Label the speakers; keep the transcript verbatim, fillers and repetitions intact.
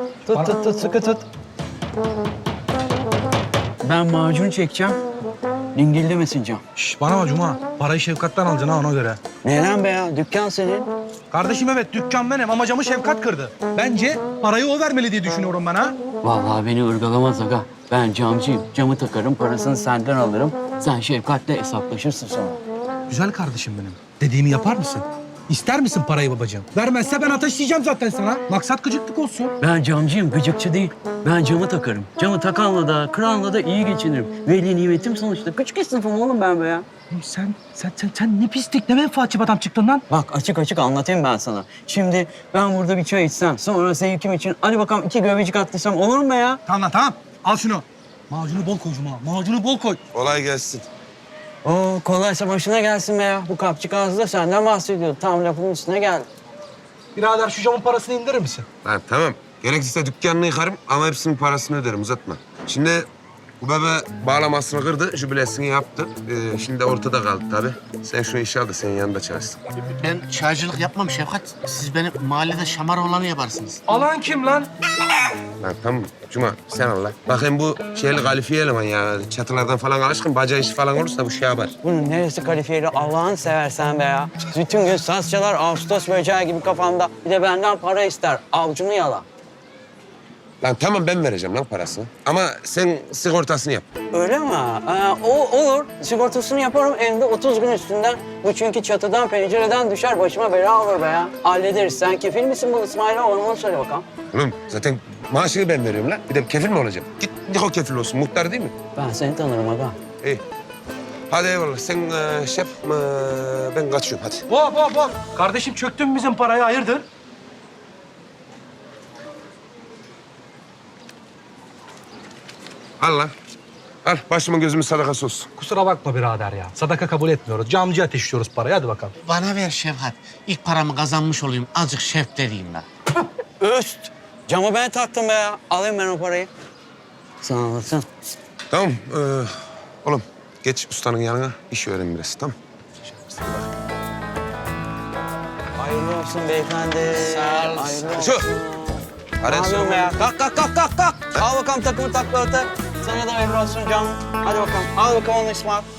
Speaker 1: Tut tut tut sıkı tut. Ben macun çekeceğim. Dingildemesin cam.
Speaker 2: Şş, bana bak Cuma. Parayı Şefkat'ten alacaksın ha ona göre.
Speaker 1: Neden be ya? Dükkan senin.
Speaker 2: Kardeşim evet dükkan benim ama camı Şefkat kırdı. Bence parayı o vermeli diye düşünüyorum ben ha.
Speaker 1: Vallahi beni ırgalamaz aga. Ben camcıyım. Camı takarım, parasını senden alırım. Sen Şefkat'le hesaplaşırsın sonra.
Speaker 2: Güzel kardeşim benim. Dediğimi yapar mısın? İster misin parayı babacığım? Vermezse ben ateşleyeceğim zaten sana. Maksat gıcıklık olsun.
Speaker 1: Ben camcıyım, gıcıkçı değil. Ben camı takarım. Camı takanla da, kıranla da iyi geçinirim. Veli nimetim sonuçta. Küçük esnafım oğlum ben be ya.
Speaker 2: Oğlum Sen, sen, sen, sen ne pislik, ne menfaatçi bir adam çıktın lan.
Speaker 1: Bak açık açık anlatayım ben sana. Şimdi ben burada bir çay içsem, sonra zevkim için hadi bakalım iki göbecik attıysam olur mu be ya?
Speaker 2: Tamam lan tamam. Al şunu. Macunu bol koy Cuma. Macunu bol koy.
Speaker 3: Kolay gelsin.
Speaker 1: Oo kolaysa başına gelsin be ya. Bu kapçık ağzı da senden bahsediyordu. Tam lafın üstüne geldi.
Speaker 2: Birader şu camın parasını indirir misin?
Speaker 3: Lan tamam. Gerekirse dükkanını yıkarım ama hepsinin parasını öderim, uzatma. Şimdi bu bebe bağlamasını kırdı, jübilesini yaptı. Ee, şimdi ortada kaldı tabii. Sen şu işi al da senin yanında çalışsın.
Speaker 4: Ben çaycılık yapmam Şefkat. Siz benim mahallede şamar olanı yaparsınız.
Speaker 2: Alan kim lan?
Speaker 3: Lan tamam Cuma sen al lan. Bakayım bu şeyli kalifiye eleman ya. Çatılardan falan alışkın, baca işi falan olursa bu şey yapar.
Speaker 1: Bunun neresi kalifiyeli Allah'ını seversen be ya. Bütün gün saz çalar, Ağustos böceği gibi kafamda. Bir de benden para ister. Avcunu yala.
Speaker 3: Lan tamam ben vereceğim lan parasını. Ama sen sigortasını yap.
Speaker 1: Öyle mi? Ee, o olur. Sigortasını yaparım hem de otuz gün üstünden. Bu çünkü çatıdan, pencereden düşer. Başıma bela olur be ya. Hallederiz. Sen kefil misin bu İsmail'e? Ona onu söyle bakalım.
Speaker 3: Oğlum zaten maaşını ben veriyorum lan. Bir de kefil mi olacağım? Git Niko kefil olsun. Muhtar değil mi?
Speaker 1: Ben seni tanırım aga.
Speaker 3: İyi. Hadi eyvallah. Sen e, şef, e, ben kaçıyorum hadi.
Speaker 2: Hop hop hop. Kardeşim çöktün mü bizim parayı, hayırdır?
Speaker 3: Al lan. Al başımın gözümün sadakası olsun.
Speaker 2: Kusura bakma birader ya. Sadaka kabul etmiyoruz. Camcı ateşliyoruz parayı. Hadi bakalım.
Speaker 4: Bana ver Şefkat. İlk paramı kazanmış olayım. Azıcık şef vereyim ben.
Speaker 1: Öst. Camı ben taktım be ya. Alayım ben o parayı. Sağ olasın.
Speaker 3: Tamam. E, oğlum geç ustanın yanına. İş öğren biraz tamam.
Speaker 1: Hayırlı olsun beyefendi.
Speaker 4: Sağ ol,
Speaker 1: Hayırlı
Speaker 4: sağ ol.
Speaker 3: Şu.
Speaker 1: olsun. Ne
Speaker 3: Hadi
Speaker 1: yapıyorsun be ya? Kalk kalk kalk kalk kalk. Al bakalım takımı takla öte. Sana da hayırlı olsun canım. Hadi bakalım. Al bakalım onu İsmail.